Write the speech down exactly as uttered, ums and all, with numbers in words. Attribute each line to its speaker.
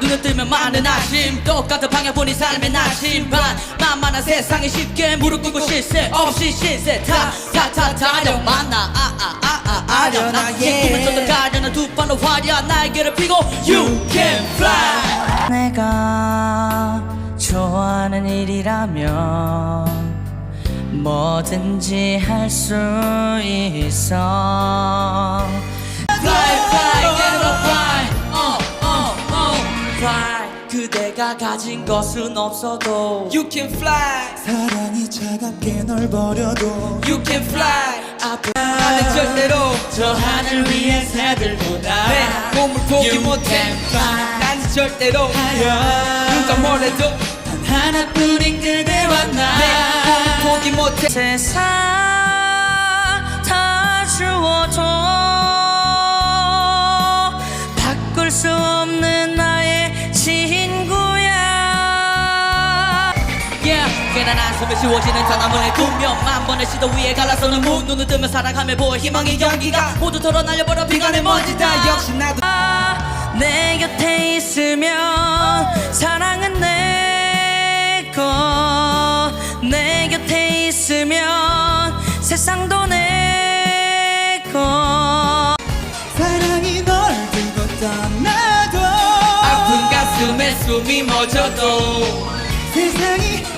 Speaker 1: 눈을 뜨면 많은 아심 똑같은 방향 보니 삶의 나심반 만만한 세상에 쉽게 무릎 꿇고 쉴 새 없이 신세 타타타 타령 만나 아아아아 아련하 꿈을 쫓아 가려는 두 발로 화려한 날개를 펴고 You can fly.
Speaker 2: 내가 좋아하는 일이라면 뭐든지 할 수 있어.
Speaker 1: Fly fly get up fly uh, uh, uh, fly 그대가 가진 것은 없어도 You can fly
Speaker 3: 사랑이 차갑게 널 버려도
Speaker 1: You can fly 앞으로 나는 절대로 저 하늘 위의 새들보다 내 몸을 포기 못해 난 절대로 누가 뭐래도 단 하나뿐인 그대와 나 내 몸을 포기 못해
Speaker 2: 세상 다 주워도 바꿀 수 없는 나의 친구야.
Speaker 1: Yeah 괜한 한숨에 지워지는 전화문에 구명만 번의 시도 위에 갈라서는 문 눈을 뜨면 사랑하며 보여 희망의 연기가 모두 털어 날려버려 비관의 먼지 다 역시 나도
Speaker 2: 내 곁에 있으면 사랑은 내거 내 곁에 있으면 세상도 내거
Speaker 3: 사랑이 널 두고 떠나도
Speaker 1: 아픈 가슴에 숨이 멎어도
Speaker 3: 세상이